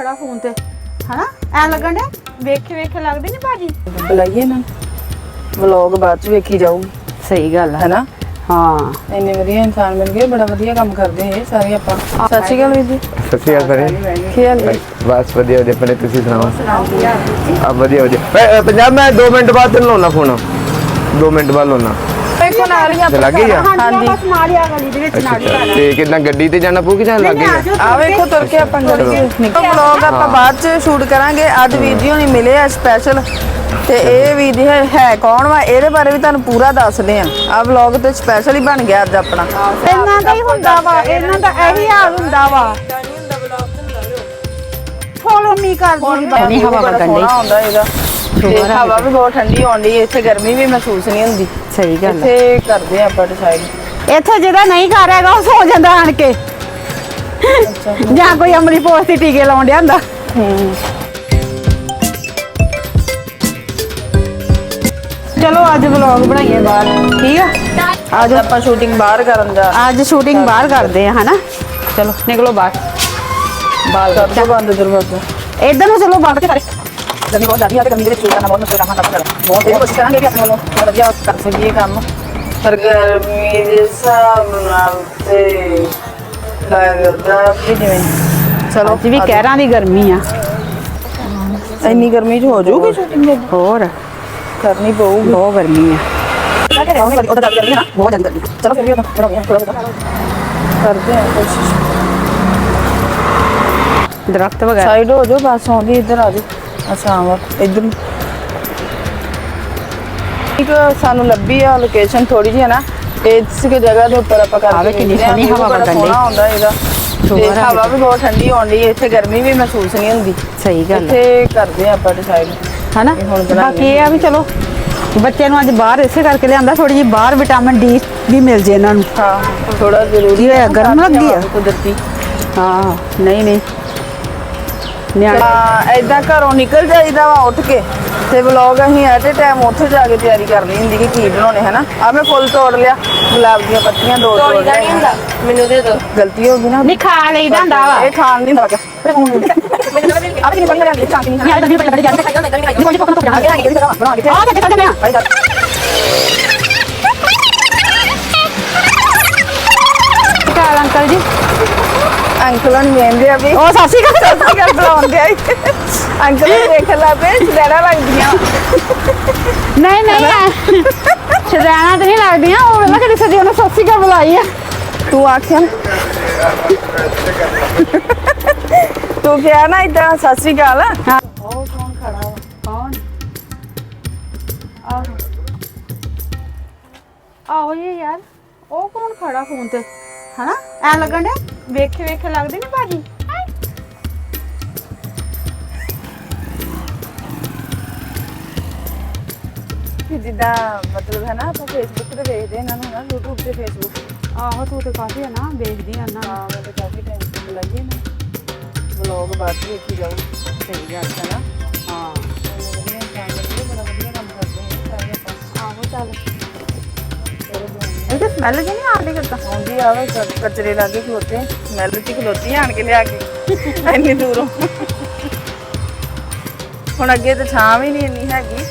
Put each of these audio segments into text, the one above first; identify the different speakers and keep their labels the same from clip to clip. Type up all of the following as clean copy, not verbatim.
Speaker 1: ਖੜਾ ਫੋਨ ਤੇ ਹਨਾ ਐ ਲੱਗਣ ਡਿਆ ਵੇਖੇ ਲੱਗਦੇ ਨਹੀਂ ਭਾਜੀ
Speaker 2: ਬੁਲਾਈਏ ਨਾ ਵਲੌਗ ਬਾਅਦ ਚ ਵੇਖੀ ਜਾਊਗੀ
Speaker 1: ਸਹੀ ਗੱਲ
Speaker 2: ਹੈ ਨਾ
Speaker 1: ਹਾਂ
Speaker 2: ਇੰਨੇ ਵਧੀਆ ਇਨਸਾਨ ਮਿਲ ਗਏ ਬੜਾ ਵਧੀਆ ਕੰਮ ਕਰਦੇ ਇਹ ਸਾਰੇ ਆਪਾਂ ਸਤਿ ਸ਼੍ਰੀ ਅਕਾਲ ਵੀਰ ਜੀ
Speaker 3: ਸਤਿ ਸ਼੍ਰੀ ਅਕਾਲ ਭੈਣੇ
Speaker 2: ਕੀ ਹਾਲ ਹੈ
Speaker 3: ਬਸ ਵਧੀਆ ਵਧੀਆ ਭੈਣੇ ਤੁਸੀਂ ਸੁਣਾਓ ਆ ਵਧੀਆ ਪੰਜਾਬ ਮੈਂ 2 ਮਿੰਟ ਬਾਅਦ ਤੈਨੂੰ ਲਾਉਣਾ ਫੋਨ 2 ਮਿੰਟ ਬਾਅਦ ਲਾਉਣਾ
Speaker 2: ਵੇਖੋ ਨਾਲ ਹੀ
Speaker 3: ਤੇ ਲੱਗ ਗਈ ਆ
Speaker 1: ਹਾਂਜੀ ਬਸ ਨਾਲ ਆ ਗਲੀ ਦੇ ਵਿੱਚ ਨਾਲ ਹੀ ਆ
Speaker 3: ਤੇ ਕਿੰਨਾ ਗੱਡੀ ਤੇ ਜਾਣਾ ਪਊ ਕਿ ਜਾਂ ਲੱਗ ਗਈ
Speaker 2: ਆ ਵੇਖੋ ਤੁਰ ਕੇ ਆਪਾਂ ਗੱਡੀ ਚ ਨਿਕਲ ਵਲੌਗ ਆਪਾਂ ਬਾਅਦ ਚ ਸ਼ੂਟ ਕਰਾਂਗੇ ਅੱਜ ਵੀਰ ਜੀ ਹੋਣੀ ਮਿਲੇ ਆ ਸਪੈਸ਼ਲ ਤੇ ਇਹ ਵੀਰ ਜੀ ਹੈ ਕੌਣ ਵਾ ਇਹਦੇ ਬਾਰੇ ਵੀ ਤੁਹਾਨੂੰ ਪੂਰਾ ਦੱਸਦੇ ਆ ਆ ਵਲੌਗ ਤੇ ਸਪੈਸ਼ਲ ਹੀ ਬਣ ਗਿਆ ਅੱਜ ਆਪਣਾ
Speaker 1: ਇਹਨਾਂ ਦਾ ਹੀ ਹੁੰਦਾ ਵਾ ਇਹਨਾਂ ਦਾ ਇਹੀ ਹਾਲ ਹੁੰਦਾ ਵਾ ਫੋਲੋ ਮੀ ਕਰਦੀ ਬਣੀ ਹਵਾ ਵਗਣ
Speaker 2: ਹੁੰਦਾ ਇਹਦਾ ਤੇ ਹਵਾ ਵੀ ਬਹੁਤ ਠੰਡੀ ਆਉਂਦੀ ਇੱਥੇ ਗਰਮੀ ਵੀ ਮਹਿਸੂਸ ਨਹੀਂ ਹੁੰਦੀ
Speaker 1: ਸਹੀ ਗੱਲ
Speaker 2: ਇੱਥੇ ਕਰਦੇ ਆ ਆਪਾਂ ਡਿਸਾਈਡ
Speaker 1: ਇੱਥੇ ਜਿਹੜਾ ਨਹੀਂ ਘਰ ਹੈਗਾ ਉਹ ਸੌ ਜਾਂਦਾ ਆਣ ਕੇ ਜਾਂ ਕੋਈ ਅਮਲੀ ਪੋਸਟ ਤੇ ਟੀਕੇ ਲਾਉਣ ਡਿਆ ਹੁੰਦਾ ਚਲੋ ਅੱਜ ਵਲੌਗ ਬਣਾਈਏ ਬਾਹਰ ਠੀਕ ਆ
Speaker 2: ਅੱਜ ਆਪਾਂ ਸ਼ੂਟਿੰਗ ਬਾਹਰ ਕਰਨ ਦਾ
Speaker 1: ਅੱਜ ਸ਼ੂਟਿੰਗ ਬਾਹਰ ਕਰਦੇ ਆ ਹਨਾ ਚਲੋ ਨਿਕਲੋ ਬਾਹਰ
Speaker 2: ਕਰ ਦੋ ਬੰਦ ਦਰਵਾਜ਼ਾ
Speaker 1: ਇਧਰ ਨੂੰ ਚਲੋ ਬਾਹਰ ਕੇ ਸਾਰੇ
Speaker 2: ਗਰਮੀ ਬਹੁਤ ਜ਼ਿਆਦਾ ਹੈ ਤੇ ਗਰਮੀ ਦੇ ਵਿੱਚ ਸ਼ੂਟ ਕਰਨਾ ਬਹੁਤ ਮੁਸ਼ਕਿਲ ਕੰਮ ਕਰਦਾ ਬਹੁਤ ਇਹ ਕੋਸ਼ਿਸ਼ ਕਰਾਂਗੇ ਕਿ ਆਪਣੇ ਵੱਲੋਂ ਵਧੀਆ ਕਰ ਸਕੀਏ ਕੰਮ ਪਰ ਗਰਮੀ ਦੇ ਹਿਸਾਬ ਨਾਲ ਤੇ ਲੱਗਦਾ ਵੀ ਜਿਵੇਂ ਚਲੋ
Speaker 1: ਅੱਜ ਵੀ ਕਹਿਰਾਂ ਦੀ ਗਰਮੀ ਆ
Speaker 2: ਇੰਨੀ ਗਰਮੀ 'ਚ ਹੋ ਜਾਊਗੀ ਸ਼ੂਟਿੰਗ
Speaker 1: ਹੋਰ
Speaker 2: ਕਰਨੀ ਪਊਗੀ
Speaker 1: ਬਹੁਤ ਗਰਮੀ ਆ
Speaker 2: ਬਹੁਤ ਜ਼ਿਆਦਾ ਗਰਮੀ ਚਲੋ ਫਿਰ ਵੀ ਕਰਦੇ ਆ ਕੋਸ਼ਿਸ਼
Speaker 1: ਦਰਖਤ ਵਗੈਰਾ
Speaker 2: ਸਾਈਡ ਹੋ ਜਾਓ ਬਸ ਆਉਂਦੀ ਇੱਧਰ ਆ ਜਾਓ ਅੱਛਾ ਇੱਧਰ ਇੱਕ ਸਾਨੂੰ ਲੱਭੀ ਆ ਲੋਕੇਸ਼ਨ ਥੋੜੀ ਜਿਹੀ ਹੈ ਨਾ ਇਸ ਜਗ੍ਹਾ ਦੇ ਉੱਪਰ ਆਪਾਂ
Speaker 1: ਆਵੇ ਕਿੰਨੀ ਸੋਹਣੀ ਹਵਾ ਵਗਣ ਡਈ
Speaker 2: ਆਉਂਦਾ ਇਹਦਾ ਤੇ ਹਵਾ ਵੀ ਬਹੁਤ ਠੰਡੀ ਆਉਂਦੀ ਇੱਥੇ ਗਰਮੀ ਵੀ ਮਹਿਸੂਸ ਨਹੀਂ ਹੁੰਦੀ
Speaker 1: ਸਹੀ ਗੱਲ
Speaker 2: ਇੱਥੇ ਕਰਦੇ ਆਪਾਂ ਡਿਸਾਈਡ
Speaker 1: ਹਨਾ ਬਾਕੀ ਇਹ ਆ ਵੀ ਚਲੋ ਬੱਚੇ ਨੂੰ ਅੱਜ ਬਾਹਰ ਇਸੇ ਕਰਕੇ ਲਿਆਂਦਾ ਥੋੜੀ ਜਿਹੀ ਬਾਹਰ ਵਿਟਾਮਿਨ ਡੀ ਵੀ ਮਿਲ ਜੇ ਇਹਨਾਂ ਨੂੰ
Speaker 2: ਹਾਂ ਥੋੜਾ ਜ਼ਰੂਰੀ
Speaker 1: ਹੈ ਗਰਮ ਲੱਗੀ ਆ
Speaker 2: ਕੁਦਰਤੀ
Speaker 1: ਹਾਂ ਨਹੀਂ
Speaker 2: ਏਦਾਂ ਘਰੋਂ ਨਿਕਲ ਜਾਈਦਾ ਵਾ ਉੱਠ ਕੇ ਤੇ ਵਲੌਗ ਅਸੀਂ ਐਟ ਏ ਟਾਈਮ ਉੱਥੇ ਜਾ ਕੇ ਤਿਆਰੀ ਕਰਨੀ ਹੁੰਦੀ ਕਿ ਕੀ ਬਣਾਉਣੇ ਹਨਾ ਆ ਮੈਂ ਫੁੱਲ ਤੋੜ ਲਿਆ ਗੁਲਾਬ ਦੀਆਂ ਪੱਤੀਆਂ ਦੋ ਤੋੜ ਲਿਆ ਮੈਨੂੰ ਦੇ ਦੋ ਗਲਤੀ ਹੋ ਗਈ ਨਾ
Speaker 1: ਨਹੀਂ ਖਾ ਲਈਦਾ ਹੁੰਦਾ ਵਾ
Speaker 2: ਇਹ ਖਾਣ ਨਹੀਂ ਹੁੰਦਾ ਆ ਵੀ ਨਹੀਂ ਬਣ ਰਿਹਾ ਚਾਹ ਨਹੀਂ
Speaker 1: ਯਾਰ ਦੰਦੀ ਪੱਟ ਜਾਂਦੇ ਕੋਈ ਪੱਕਾ ਤੋਂ ਬਣਾ ਕੇ ਆ ਜਾ ਚੱਲ ਜਾ ਕਾਲ ਅੰਕਲ ਜੀ
Speaker 2: ਅੰਕਲ ਨੂੰ ਵੇਂਦੇ ਆ ਵੀ
Speaker 1: ਉਹ ਸਾਸੀ ਕਾ
Speaker 2: ਬੁਲਾਉਂਦੇ ਆ ਅੰਕਲ ਨੂੰ ਦੇਖ ਲਾ ਬੇ ਸੜਾੜਾ ਲੱਗਦੀਆਂ
Speaker 1: ਨਹੀਂ ਸ਼ਰਾਣਾ ਤੇ ਨਹੀਂ ਲੱਗਦੀਆਂ ਉਹ ਵੇਲਾ ਕਿਹੜੀ ਸਦੀ ਉਹਨੇ ਸਾਸੀ ਕਾ ਬੁਲਾਈ ਆ
Speaker 2: ਤੂੰ ਆਖਿਆ ਤੂੰ ਕਿਹਾ ਨਾ ਇਦਾਂ ਸਤਿ ਸ਼੍ਰੀ ਅਕਾਲ
Speaker 1: ਹਾਂ
Speaker 2: ਉਹ ਕੌਣ ਖੜਾ ਵਾ
Speaker 1: ਕੌਣ ਆਹੋ ਇਹ ਯਾਰ ਉਹ ਕੌਣ ਖੜਾ ਫੋਨ ਤੇ ਹਨਾ ਐ ਲੱਗਣ ਡਿਆ ਵੇਖੇ ਲੱਗਦੇ ਨਹੀਂ ਭਾਜੀ
Speaker 2: ਜਿੱਦਾਂ ਮਤਲਬ ਹੈ ਨਾ ਆਪਾਂ ਫੇਸਬੁੱਕ ਤੇ ਵੇਖਦੇ ਇਹਨਾਂ ਨੂੰ ਨਾ YouTube ਤੇ ਫੇਸਬੁੱਕ
Speaker 1: ਆਹੋ ਤੂੰ ਤੇ ਕਾਫੀ ਹੈ ਨਾ ਦੇਖਦੀ ਆ ਨਾ
Speaker 2: ਹਾਂ ਮੈਂ ਤਾਂ ਕਾਫੀ ਟਾਈਮ ਤੋਂ ਬੁਲਾਈਏ ਨਾ ਵਲੌਗ ਬਾਅਦ ਚ ਵੇਖੀ ਜਾਊ
Speaker 1: ਸਹੀ ਗੱਲ ਹੈ ਨਾ ਹਾਂ
Speaker 2: ਵਧੀਆ ਕੰਮ ਬੜਾ ਵਧੀਆ ਕੰਮ ਕਰਦੇ ਨੇ ਸਾਰੇ ਆਪਾਂ
Speaker 1: ਆਹੋ ਚੱਲ ਇਹ ਤਾਂ ਸਮੈਲ ਜਿਹੀ ਨਹੀਂ ਆਉਂਦੀ ਕਿਤਾ
Speaker 2: ਆਉਂਦੀ ਆਵੇ ਕਚਰੇ ਲਾਗੇ ਖਲੋਤੇ ਸਮੈਲ ਚ ਖਲੋਤੀ ਆਣ ਕੇ ਲਿਆ ਕੇ ਇੰਨੀ ਦੂਰੋਂ ਹੁਣ ਅੱਗੇ ਤਾਂ ਛਾਂ ਵੀ ਨਹੀਂ ਇੰਨੀ ਹੈਗੀ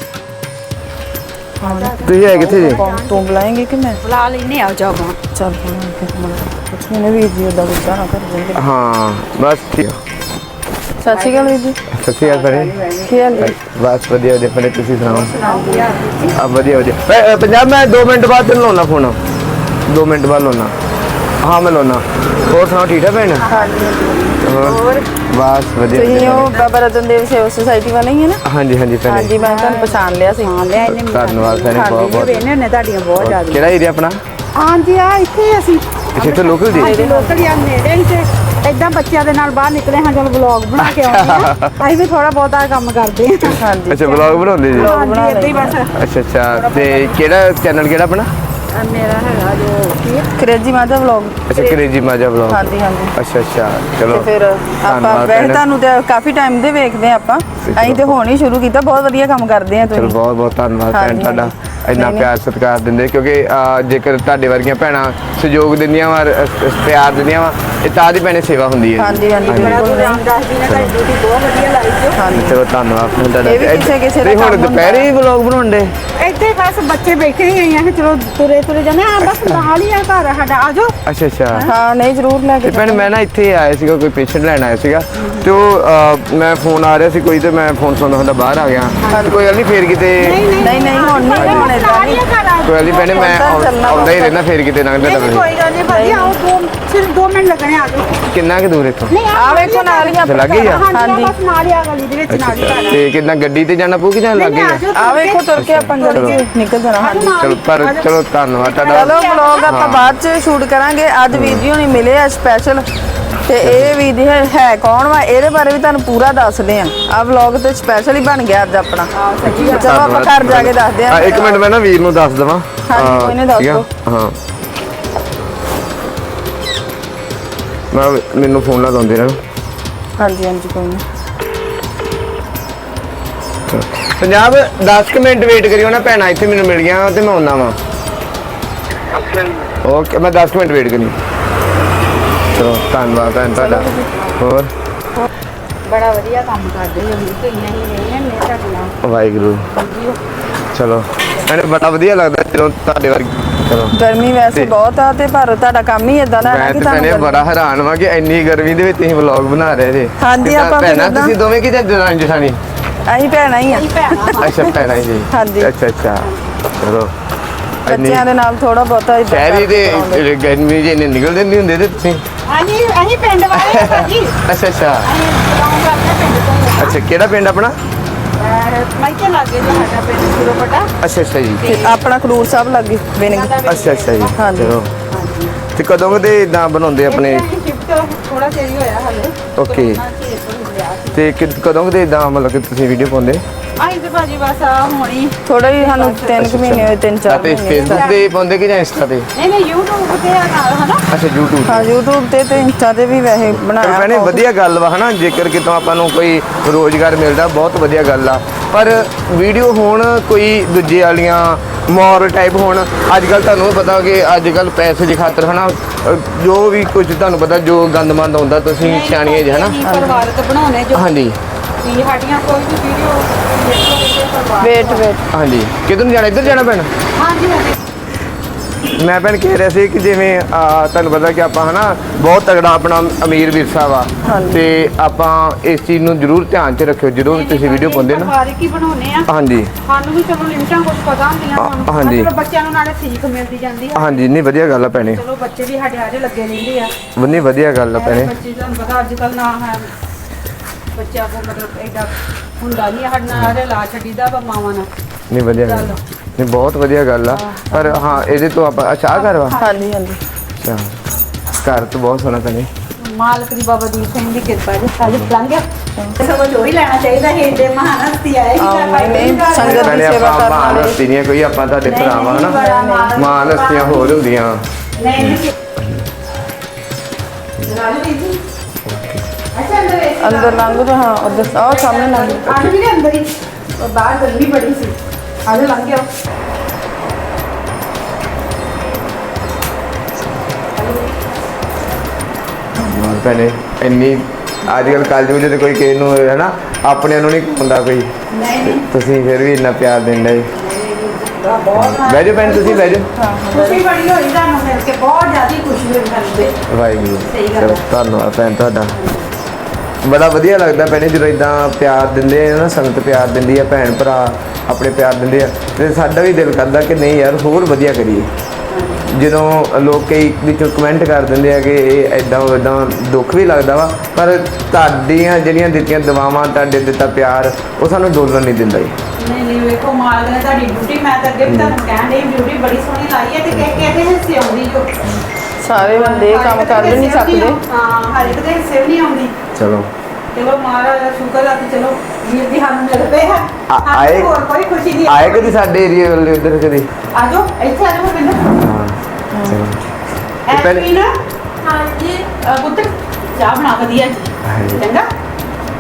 Speaker 3: ਤੁਸੀਂ ਹੈ ਕਿੱਥੇ ਜੀ
Speaker 2: ਤੂੰ ਬੁਲਾਏਂਗੇ ਕਿ ਮੈਂ
Speaker 1: ਬੁਲਾ ਲੈਨੇ ਆ ਜਾਓ
Speaker 2: ਚੱਲ ਕੁਛ ਨਹੀਂ ਵੀਰ ਜੀ ਉਦਾਂ ਗੁੱਸਾ ਨਾ ਕਰ ਦਿੰਦੇ
Speaker 3: ਹਾਂ ਬਸ ਠੀਕ
Speaker 2: ਸਤਿ ਸ਼੍ਰੀ ਅਕਾਲ ਵੀਰ ਜੀ
Speaker 3: ਸਤਿ ਸ਼੍ਰੀ ਅਕਾਲ ਭੈਣੇ
Speaker 2: ਕੀ ਹਾਲ ਹੈ
Speaker 3: ਬਸ ਵਧੀਆ ਵਧੀਆ ਭੈਣੇ ਤੁਸੀਂ ਸੁਣਾਓ ਆ ਵਧੀਆ ਵਧੀਆ ਪੰਜਾਬ ਮੈਂ 2 ਮਿੰਟ ਬਾਅਦ ਤੈਨੂੰ ਲਾਉਣਾ ਫੋਨ 2 ਮਿੰਟ ਬਾਅਦ ਲਾਉਣਾ ਹਾਂ ਮੈਂ ਲਾਉਣਾ ਹੋਰ ਸੁਣਾਓ ਠੀਕ ਹੈ ਭੈਣ ਹੋਰ ਬਸ ਵਧੀਆ
Speaker 2: ਤੁਸੀਂ ਉਹ ਬਾਬਾ ਰਤਨ ਦੇਵ ਸੇਵਾ ਸੁਸਾਇਟੀ ਵਾਲੇ ਹੀ ਹੈ ਨਾ
Speaker 3: ਹਾਂਜੀ ਹਾਂਜੀ ਭੈਣੇ
Speaker 2: ਹਾਂਜੀ ਮੈਂ ਤੁਹਾਨੂੰ ਪਛਾਣ ਲਿਆ ਸੀ
Speaker 1: ਹਾਂ ਲੈ ਇਹਨੇ
Speaker 3: ਧੰਨਵਾਦ ਭੈਣੇ ਬਹੁਤ ਬਹੁਤ
Speaker 1: ਵੇਨੇ ਨੇ ਤੁਹਾਡੀਆਂ ਬਹੁਤ ਜ਼ਿਆਦਾ
Speaker 3: ਕਿਹੜਾ ਏਰੀਆ ਆਪਣਾ
Speaker 1: ਹਾਂਜੀ ਆ ਇੱਥੇ ਹੀ ਅਸੀਂ
Speaker 3: ਇੱਥੇ ਲੋਕਲ ਜੀ
Speaker 1: ਲੋਕਲ ਹੀ ਆ ਨੇੜੇ ਹੀ ਤੇ ਏਦਾਂ ਬੱਚਿਆਂ ਦੇ ਨਾਲ ਬਾਹਰ ਨਿਕਲੇ ਹਾਂ ਚਲ ਵਲੌਗ ਬਣਾ ਕੇ ਆਉਂਦੇ ਆ ਅਸੀਂ ਵੀ ਥੋੜਾ ਬਹੁਤਾ ਕੰਮ ਕਰਦੇ ਹਾਂ
Speaker 2: ਹਾਂਜੀ
Speaker 3: ਅੱਛਾ ਵਲੌਗ ਬਣਾਉਂਦੇ ਜੀ
Speaker 1: ਹਾਂਜੀ ਏਦਾਂ ਹੀ ਬਸ
Speaker 3: ਅੱਛਾ ਅੱਛਾ ਤੇ ਕਿਹੜਾ ਚੈਨਲ ਕਿਹੜਾ ਆਪਣਾ
Speaker 1: ਮੇਰਾ ਹੈਗਾ ਜੋ ਕੀ
Speaker 2: ਕਰੇਜੀ ਮਾਤਾ ਵਲੌਗ
Speaker 3: ਅੱਛਾ ਕਰੇਜੀ ਮਾਜਾ ਵਲੌਗ
Speaker 2: ਹਾਂਜੀ ਹਾਂਜੀ
Speaker 3: ਅੱਛਾ ਅੱਛਾ
Speaker 2: ਤੇ
Speaker 3: ਚਲੋ
Speaker 2: ਫਿਰ ਆਪਾਂ
Speaker 3: ਧੰਨਵਾਦ
Speaker 2: ਵੈਸੇ
Speaker 3: ਭੈਣੇ।
Speaker 2: ਤੁਹਾਨੂੰ ਤੇ ਕਾਫੀ ਟਾਈਮ ਦੇ ਵੇਖਦੇ ਆ ਆਪਾਂ ਅਸੀਂ ਤੇ ਹੁਣ ਹੀ ਸ਼ੁਰੂ ਕੀਤਾ ਬਹੁਤ ਵਧੀਆ ਕੰਮ ਕਰਦੇ ਆ
Speaker 3: ਚਲੋ
Speaker 2: ਤੁਸੀਂ
Speaker 3: ਬਹੁਤ ਬਹੁਤ ਧੰਨਵਾਦ ਭੈਣ
Speaker 2: ਹਾਂਜੀ,
Speaker 3: ਤੁਹਾਡਾ ਇੰਨਾ ਪਿਆਰ ਸਤਿਕਾਰ ਦਿੰਦੇ, ਕਿਉਂਕਿ ਜੇਕਰ ਤੁਹਾਡੇ ਵਰਗੀਆਂ ਭੈਣਾਂ ਸਹਿਯੋਗ ਦਿੰਦੀਆਂ ਵਾ, ਪਿਆਰ ਦਿੰਦੀਆਂ ਵਾ, ਇਹ ਤਾਂ ਦੀ ਭੈਣੇ ਸੇਵਾ ਹੁੰਦੀ ਹੈ।
Speaker 2: ਹਾਂਜੀ ਹਾਂਜੀ
Speaker 1: ਬੜਾ
Speaker 2: ਬਿਲਕੁਲ।
Speaker 1: ਰਾਮਦਾਸ ਜੀ ਨੇ ਤੁਹਾਡੀ ਡਿਊਟੀ ਬਹੁਤ ਵਧੀਆ ਲਾਈ ਜੋ।
Speaker 2: ਹਾਂਜੀ
Speaker 3: ਚਲੋ ਧੰਨਵਾਦ ਤੁਹਾਡਾ।
Speaker 2: ਇਹ ਵੀ ਕਿਸੇ ਦਾ
Speaker 3: ਤੇ ਹੁਣ
Speaker 2: ਕੰਮ ਹੁੰਦਾ।
Speaker 3: ਦੁਪਹਿਰੇ ਹੀ ਵਲੌਗ ਬਣਾਉਂਦੇ?
Speaker 1: ਇੱਥੇ ਬਸ ਬੱਚੇ ਬੈਠੇ ਹੀ ਆਏ ਆ ਕਿ ਚਲੋ ਤੁਰੇ ਜਾਂਦੇ ਆ, ਬਸ ਨਾਲ ਹੀ ਆ ਘਰ ਸਾਡਾ, ਆ ਜਾਓ।
Speaker 3: ਅੱਛਾ ਅੱਛਾ।
Speaker 2: ਹਾਂ ਨਹੀਂ ਜ਼ਰੂਰ ਲੈ ਕੇ
Speaker 3: ਤੇ ਭੈਣ ਮੈਂ ਨਾ ਇੱਥੇ ਆਇਆ ਸੀਗਾ, ਕੋਈ ਪੇਸ਼ੈਂਟ ਲੈਣ ਆਇਆ ਸੀਗਾ, ਤੇ ਉਹ ਮੈਂ ਫੋਨ ਆ ਰਿਹਾ ਸੀ ਕੋਈ, ਤੇ ਮੈਂ ਫੋਨ ਸੁਣਦਾ ਹੁੰਦਾ ਬਾਹਰ ਆ ਗਿਆ। ਤੇ ਕੋਈ ਗੱਲ ਨਹੀਂ, ਫੇਰ ਕਿਤੇ
Speaker 2: ਨਹੀਂ ਹੁਣ ਨਹੀਂ ਹੁਣ ਏਦਾਂ ਨਹੀਂ।
Speaker 3: ਕੋਈ ਗੱਲ ਨਹੀਂ ਭੈਣੇ, ਮੈਂ ਆਉਂਦਾ ਹੀ ਰਹਿਣਾ, ਫੇਰ ਕਿਤੇ ਲੰਘਦਾ
Speaker 1: ਨਹੀਂ
Speaker 3: ਰਵਾਂਗੇ।
Speaker 1: ਕੋਈ ਗੱਲ ਨਹੀਂ ਭਾਜੀ, ਆਓ ਸਿਰਫ 2 ਮਿੰਟ ਲੱਗਣੇ, ਆ ਜਾਓ।
Speaker 3: ਕਿੰਨਾ ਕੁ ਦੂਰ ਇੱਥੋਂ?
Speaker 1: ਨਹੀਂ
Speaker 2: ਆ ਵੇਖੋ ਨਾਲ ਹੀ
Speaker 3: ਤੇ ਲੱਗ ਹੀ ਆ?
Speaker 1: ਹਾਂਜੀ ਬਸ ਨਾਲ ਹੀ ਆ ਗਲੀ ਦੇ ਵਿੱਚ, ਨਾਲ ਹੀ ਘਰ ਆ।
Speaker 3: ਤੇ ਕਿੰਨਾ ਗੱਡੀ ਤੇ ਜਾਣਾ ਪਊ ਕਿ ਜਾਂ ਲੱਗੇ?
Speaker 2: ਆ ਵੇਖੋ ਤੁਰ ਕੇ ਆਪਾਂ ਗਲੀ 'ਚ ਨਿਕਲ ਜਾਣਾ। ਹਾਂਜੀ
Speaker 3: ਚਲੋ ਪਰ ਚਲੋ ਧੰਨਵਾਦ ਤੁਹਾਡਾ।
Speaker 2: ਚਲੋ ਵਲੌਗ ਆਪਾਂ ਬਾਅਦ 'ਚ ਸ਼ੂਟ ਕਰਾਂਗੇ। ਅੱਜ ਵੀਡੀਓ ਨਹੀਂ ਮਿਲੇ ਆ ਸਪੈਸ਼ਲ, ਤੇ ਇਹ ਵੀਡੀਓ ਹੈ ਕੌਣ ਵਾ ਇਹਦੇ ਬਾਰੇ ਵੀ ਤੁਹਾਨੂੰ ਪੂਰਾ ਦੱਸਦੇ ਆ। ਆ ਵਲੌਗ ਤੇ ਸਪੈਸ਼ਲ ਹੀ ਬਣ ਗਿਆ ਅੱਜ ਆਪਣਾ। ਚਲੋ ਆਪਾਂ ਘਰ ਜਾ ਕੇ ਦੱਸਦੇ ਆ।
Speaker 3: ਇੱਕ ਮਿੰਟ ਮੈਂ ਨਾ ਵੀਰ ਨੂੰ ਦੱਸ ਦਵਾਂ।
Speaker 2: ਹਾਂਜੀ ਕੋਈ ਨਹੀਂ ਦੱਸ ਦਿਓ।
Speaker 3: ਹਾਂ ਮੈਨੂੰ ਫੋਨ ਲਾ ਦਿੰਦੇ ਰਹਿਣ।
Speaker 2: ਹਾਂਜੀ ਹਾਂਜੀ ਕੋਈ ਨਹੀਂ।
Speaker 3: ਪੰਜਾਬ 10 ਮਿੰਟ ਵੇਟ ਕਰਿਓ ਨਾ, ਭੈਣਾਂ ਇੱਥੇ ਮੈਨੂੰ ਮਿਲ ਗਿਆ ਤੇ ਮੈਂ ਆਉਣਾ ਵਾ। ਓਕੇ, ਮੈਂ 10 ਮਿੰਟ ਵੇਟ ਕਰੀ। ਚਲੋ ਧੰਨਵਾਦ ਭੈਣ ਤੁਹਾਡਾ। ਹੋਰ
Speaker 1: ਬੜਾ ਵਧੀਆ ਕੰਮ ਕਰਦੇ ਹੋ ਵੀਰ, ਕਈਆਂ ਹੀ ਨਹੀਂ ਨੇ ਤੁਹਾਡੇ ਨਾਲ।
Speaker 3: ਵਾਹਿਗੁਰੂ। ਚਲੋ ਮੈਨੂੰ ਬੜਾ ਵਧੀਆ ਲੱਗਦਾ ਜਦੋਂ ਤੁਹਾਡੇ ਵਰਗੀ। ਚਲੋ
Speaker 2: ਗਰਮੀ ਵੈਸੇ ਬਹੁਤ ਆ, ਤੇ ਪਰ ਤੁਹਾਡਾ ਕੰਮ ਹੀ ਇਦਾਂ ਦਾ ਹੈ
Speaker 3: ਮੈਂ
Speaker 2: ਕਿ
Speaker 3: ਤੇ ਭੈਣੇ
Speaker 2: ਤੁਹਾਨੂੰ
Speaker 3: ਬੜਾ ਹੈਰਾਨ ਵਾਂ ਕਿ ਇੰਨੀ ਗਰਮੀ ਦੇ ਵਿੱਚ ਤੁਸੀਂ ਵਲੌਗ ਬਣਾ ਰਹੇ ਜੇ।
Speaker 2: ਹਾਂਜੀ,
Speaker 3: ਕਿੱਦਾਂ
Speaker 2: ਆਪਾਂ ਵੀ
Speaker 3: ਭੈਣਾਂ
Speaker 2: ਏਦਾਂ-
Speaker 3: ਤੁਸੀਂ ਦੋਵੇਂ ਕਿਤੇ ਜਨਾਨੀ ਜਠਾਣੀ?
Speaker 2: ਅਸੀਂ ਭੈਣਾਂ ਹੀ ਆ।
Speaker 3: ਅੱਛਾ ਭੈਣਾਂ ਜੀ।
Speaker 2: ਹਾਂਜੀ।
Speaker 3: ਅੱਛਾ ਅੱਛਾ। ਚਲੋ
Speaker 2: ਬੱਚਿਆਂ ਦੇ ਨਾਲ ਥੋੜਾ ਬਹੁਤਾ ਏਦਾਂ
Speaker 3: ਸ਼ਹਿਰੀ
Speaker 2: ਕਰਦੇ ਕਰਾਉਂਦੇ।
Speaker 3: ਦੇ ਗਰਮੀ ਜੇ ਇੰਨੇ ਨਿਕਲਦੇ ਨਹੀਂ ਹੁੰਦੇ ਤੇ ਤੁਸੀਂ?
Speaker 1: ਅਸੀਂ ਪਿੰਡ ਵਾਲੇ ਆ ਭਾਜੀ,
Speaker 3: ਅੱਛਾ ਅੱਛਾ
Speaker 1: ਅਸੀਂ ਬਿਲੋਂਗ ਕਰਦੇ ਹਾਂ ਪਿੰਡ ਤੋਂ।
Speaker 3: ਅੱਛਾ। ਕਿਹੜਾ ਪਿੰਡ ਆਪਣਾ?
Speaker 1: ਮਾਈਕੇ ਲਾਗੇ ਜੋ ਸਾਡਾ ਪਿੰਡ ਸੁਰੋਪਟਾ।
Speaker 3: ਅੱਛਾ ਅੱਛਾ ਜੀ।
Speaker 2: ਤੇ ਆਪਣਾ ਖਡੂਰ ਸਾਹਿਬ ਲੱਗੇ ਬਿਨਗੀ।
Speaker 3: ਅੱਛਾ ਅੱਛਾ ਜੀ।
Speaker 2: ਹਾਂਜੀ।
Speaker 3: ਚਲੋ ਤੇ ਕਦੋਂ ਕਦੇ ਇਦਾਂ ਬਣਾਉਂਦੇ ਆਪਣੇ?
Speaker 1: ਥੋੜਾ ਚਿਰ ਹੀ ਹੋਇਆ ਹਲੇ।
Speaker 3: ਓਕੇ। ਤੇ ਕਦੋਂ ਕਦੇ ਇਦਾਂ ਮਤਲਬ ਕਿ ਤੁਸੀਂ ਵੀਡੀਓ ਪਾਉਂਦੇ?
Speaker 1: ਆਈ ਤੇ ਭਾਜੀ ਬਸ ਆ ਹੋਣੀ।
Speaker 2: ਥੋੜਾ ਹੀ ਸਾਨੂੰ 3 ਮਹੀਨੇ ਹੋਏ, 3-4
Speaker 3: ਤੇ
Speaker 2: ਮਹੀਨੇ।
Speaker 3: ਫੇਸਬੁੱਕ ਤੇ ਪਾਉਂਦੇ ਕਿ ਜਾਂ ਇੰਸਟਾ ਤੇ?
Speaker 1: ਨਹੀਂ YouTube ਤੇ ਆ ਨਾਲ ਹਨਾ।
Speaker 3: ਅੱਛਾ YouTube
Speaker 2: ਹਾਂ YouTube ਤੇ ਇੰਸਟਾ ਤੇ ਵੀ ਵੈਸੇ ਬਣਾਇਆ।
Speaker 3: ਭੈਣੇ ਵਧੀਆ ਗੱਲ ਵਾ ਹਨਾ, ਜੇਕਰ ਕਿਤੋਂ ਆਪਾਂ ਨੂੰ ਕੋਈ ਰੋਜ਼ਗਾਰ ਮਿਲਦਾ ਬਹੁਤ ਵਧੀਆ ਗੱਲ ਆ, ਪਰ ਵੀਡੀਓ ਹੋਣ ਕੋਈ ਦੂਜੇ ਵਾਲੀਆਂ ਮੋਰਲ ਟਾਈਪ ਹੋਣ। ਅੱਜ ਕੱਲ ਤੁਹਾਨੂੰ ਵੀ ਪਤਾ ਕਿ ਅੱਜ ਕੱਲ ਪੈਸੇ ਦੀ ਖਾਤਰ ਹਨਾ ਜੋ ਵੀ ਕੁਝ ਤੁਹਾਨੂੰ ਪਤਾ ਜੋ ਗੰਦਮੰਦ ਹੁੰਦਾ, ਤੁਸੀਂ ਸਿਆਣੀਆਂ ਜੀ ਹਨਾ।
Speaker 1: ਅਸੀਂ ਪਰਿਵਾਰਕ ਬਣਾਉਣੇ ਜੋ
Speaker 3: ਹਾਂਜੀ
Speaker 1: ਵੀ ਸਾਡੀਆਂ ਕੋਈ ਵੀ ਵੀਡੀਓ
Speaker 2: ਵੇਟ
Speaker 3: ਹਾਂਜੀ। ਕਿੱਧਰ ਨੂੰ ਜਾਣਾ? ਇੱਧਰ ਜਾਣਾ ਪੈਣਾ?
Speaker 1: ਹਾਂਜੀ ਹਾਂਜੀ।
Speaker 3: ਮੈਂ ਭੈਣ ਕਹਿ ਰਿਹਾ ਸੀ ਕਿ ਜਿਵੇਂ ਤੁਹਾਨੂੰ ਪਤਾ ਕਿ ਆਪਾਂ ਹਨਾ ਬਹੁਤ ਤਗੜਾ ਆਪਣਾ ਅਮੀਰ ਵਿਰਸਾ ਵਾ, ਤੇ ਆਪਾਂ ਇਸ ਚੀਜ਼ ਨੂੰ ਜ਼ਰੂਰ ਧਿਆਨ 'ਚ ਰੱਖਿਓ ਜਦੋਂ ਵੀ ਤੁਸੀਂ ਵੀਡੀਓ ਪਾਉਂਦੇ ਨਾ।
Speaker 1: ਪਰਿਵਾਰਕ ਹੀ ਬਣਾਉਣੇ ਆ।
Speaker 3: ਹਾਂਜੀ
Speaker 1: ਸਾਨੂੰ ਵੀ ਚਲੋ ਲਿਮਟਾਂ ਕੁਝ ਪਤਾ ਹੁੰਦੀਆਂ ਸਾਨੂੰ।
Speaker 3: ਹਾਂਜੀ।
Speaker 1: ਚਲੋ ਬੱਚਿਆਂ ਨੂੰ ਨਾਲੇ ਸਿੱਖ ਮਿਲਦੀ ਜਾਂਦੀ ਆ।
Speaker 3: ਹਾਂਜੀ। ਨਹੀਂ ਵਧੀਆ ਗੱਲ ਆ ਭੈਣੇ,
Speaker 1: ਚਲੋ ਬੱਚੇ ਵੀ ਸਾਡੇ ਆਰੇ ਲੱਗੇ ਰਹਿੰਦੇ ਆ।
Speaker 3: ਨਹੀਂ ਵਧੀਆ ਗੱਲ ਆ ਭੈਣੇ।
Speaker 1: ਬੱਚੇ ਤੁਹਾਨੂੰ ਪਤਾ ਅੱਜ ਕੱਲ ਨਾ ਹੈ ਬੱਚਿਆਂ ਕੋ ਮਤਲਬ ਐਡਾ ਹੁੰਦਾ ਨਹੀਂ, ਸਾਡੇ ਨਾਲ ਆਰੇ ਲਾ ਛੱਡੀਦਾ ਵਾ ਮਾਵਾਂ ਨਾਲ।
Speaker 3: ਨਹੀਂ ਵਧੀਆ ਗੱਲ, ਨਹੀਂ ਬਹੁਤ ਵਧੀਆ ਗੱਲ ਆ। ਪਰ ਹਾਂ ਇਹਦੇ ਤੋਂ ਆਪਾਂ ਅੱਛਾ ਘਰ ਵਾ?
Speaker 2: ਹਾਂਜੀ ਹਾਂਜੀ।
Speaker 3: ਅੱਛਾ ਘਰ ਤਾਂ ਬਹੁਤ ਸੋਹਣਾ ਭੈਣੇ।
Speaker 1: ਮਾਲਕ ਦੀ ਬਾਬਾ ਦੀਪ ਸਿੰਘ ਦੀ ਕਿਰਪਾ ਜੀ ਅੱਜ ਲੰਘ ਗਿਆ। ਸਗੋਂ ਜੋ ਹੀ ਲੈਣਾ ਚਾਹੀਦਾ ਹੈ, ਏਡੇ ਮਹਾਨ ਹਸਤੀ ਆਏ
Speaker 2: ਨਹੀਂ ਸੰਗਤ
Speaker 3: ਭੈਣੇ
Speaker 2: ਦੀ ਸੇਵਾ
Speaker 3: ਆਪਾਂ
Speaker 2: ਕਰਨ
Speaker 3: ਮਾਨ
Speaker 2: ਵਾਲੇ।
Speaker 3: ਹਸਤੀ ਨਹੀਂ ਕੋਈ, ਆਪਾਂ ਤੁਹਾਡੇ ਭਰਾਵਾਂ ਹਨਾ। ਮਾਨ ਹਸਤੀਆਂ ਹੋਰ ਹੁੰਦੀਆਂ।
Speaker 1: ਨਹੀਂ ਨਹੀਂ ਰਾਜੂ ਜੀ ਅੱਛਾ
Speaker 2: ਅੰਦਰ ਲੰਘ ਤਾਂ ਹਾਂ ਉਧਰ ਆਹ ਸਾਹਮਣੇ ਲੰਘ।
Speaker 1: ਆਜ ਵੀ ਅੰਦਰ ਹੀ ਉਹ ਬਾਹਰ ਗਰਮੀ ਬੜੀ ਸੀ। ਅੱਜ ਲੰਘ ਗਿਆ।
Speaker 3: ਭੈਣੇ ਇੰਨੀ ਅੱਜ ਕੱਲ ਕਲਯੁਗ ਦੇ ਕੋਈ ਕਿਸੇ ਨੂੰ ਹੈ ਨਾ ਆਪਣੇ ਨੂੰ ਨਹੀਂ ਹੁੰਦਾ ਕੋਈ,
Speaker 1: ਨਹੀਂ
Speaker 3: ਤੁਸੀਂ ਫਿਰ ਵੀ ਇੰਨਾ ਪਿਆਰ ਦਿੰਦੇ।
Speaker 1: ਬਹੁਤ
Speaker 3: ਬਹਿ ਜਾਓ ਭੈਣ, ਤੁਸੀਂ ਬਹਿ ਜਾਓ।
Speaker 1: ਖੁਸ਼ੀ ਬੜੀ ਹੋਈ ਤੁਹਾਨੂੰ ਮਿਲ ਕੇ, ਬਹੁਤ ਜ਼ਿਆਦਾ ਖੁਸ਼ੀ ਹੋਈ ਸਾਨੂੰ ਤੇ।
Speaker 3: ਵਾਹਿਗੁਰੂ।
Speaker 1: ਸਹੀ ਗੱਲ
Speaker 3: ਚਲੋ ਧੰਨਵਾਦ ਭੈਣ ਤੁਹਾਡਾ। ਬੜਾ ਵਧੀਆ ਲੱਗਦਾ ਭੈਣੇ ਜਦੋਂ ਇਦਾਂ ਪਿਆਰ ਦਿੰਦੇ ਆ ਨਾ, ਸੰਗਤ ਪਿਆਰ ਦਿੰਦੀ ਆ, ਭੈਣ ਭਰਾ ਆਪਣੇ ਪਿਆਰ ਦਿੰਦੇ ਆ, ਤੇ ਸਾਡਾ ਵੀ ਦਿਲ ਕਰਦਾ ਕਿ ਨਹੀਂ ਯਾਰ ਹੋਰ ਵਧੀਆ ਕਰੀਏ। ਜਦੋਂ ਲੋਕ ਕਈ ਵਿੱਚੋਂ ਕਮੈਂਟ ਕਰ ਦਿੰਦੇ ਆ ਕਿ ਇਹ ਇਦਾਂ ਦੁੱਖ ਵੀ ਲੱਗਦਾ ਵਾ, ਪਰ ਤੁਹਾਡੀਆਂ ਜਿਹੜੀਆਂ ਦਿੱਤੀਆਂ ਦੁਆਵਾਂ, ਤੁਹਾਡੇ ਦਿੱਤਾ ਪਿਆਰ, ਉਹ ਸਾਨੂੰ ਡੋਲਣ ਨਹੀਂ ਦਿੰਦਾ ਜੀ।
Speaker 1: ਨਹੀਂ ਵੇਖੋ ਮਾਲਕ ਨੇ ਤੁਹਾਡੀ ਡਿਊਟੀ, ਮੈਂ ਤਾਂ ਅੱਗੇ ਵੀ ਤੁਹਾਨੂੰ ਕਹਿਣ ਡਈ ਡਿਊਟੀ ਬੜੀ ਸੋਹਣੀ ਲਾਈ ਹੈ, ਤੇ ਕਿਹਦੇ ਹਿੱਸੇ ਆਉਂਦੀ ਜੋ
Speaker 2: ਸਾਰੇ ਬੰਦੇ ਇਹ ਕੰਮ ਕਰ ਵੀ ਨਹੀਂ ਸਕਦੇ।
Speaker 1: ਹਾਂ ਹਰ ਇੱਕ ਦੇ ਹਿੱਸੇ ਵੀ ਨਹੀਂ ਆਉਂਦੀ।
Speaker 3: ਚਲੋ
Speaker 1: ਮਹਾਰਾਜ ਦਾ ਸ਼ੁਕਰ ਆ ਕਿ ਚਲੋ ਵੀਰ ਦੀ ਸਾਨੂੰ ਮਿਲ ਪਏ ਹੈ।
Speaker 3: ਆਏ
Speaker 1: ਹੋਰ ਕੋਈ ਖੁਸ਼ੀ ਨਹੀਂ
Speaker 3: ਆਏ ਕਦੀ ਸਾਡੇ ਏਰੀਆ ਵੱਲ ਉੱਧਰ ਕਦੀ?
Speaker 1: ਆਜੋ ਇੱਥੇ ਆਜੋ ਮੈਨੂੰ।
Speaker 3: ਹਾਂ ਚਲੋ ਤੇ ਪਹਿਲੇ
Speaker 1: ਐਪੀ ਨਾ ਹਾਂਜੀ ਪੁੱਤ ਚਾਹ ਬਣਾ ਵਧੀਆ ਜੀ
Speaker 3: ਹਾਂਜੀ।
Speaker 1: ਚੰਗਾ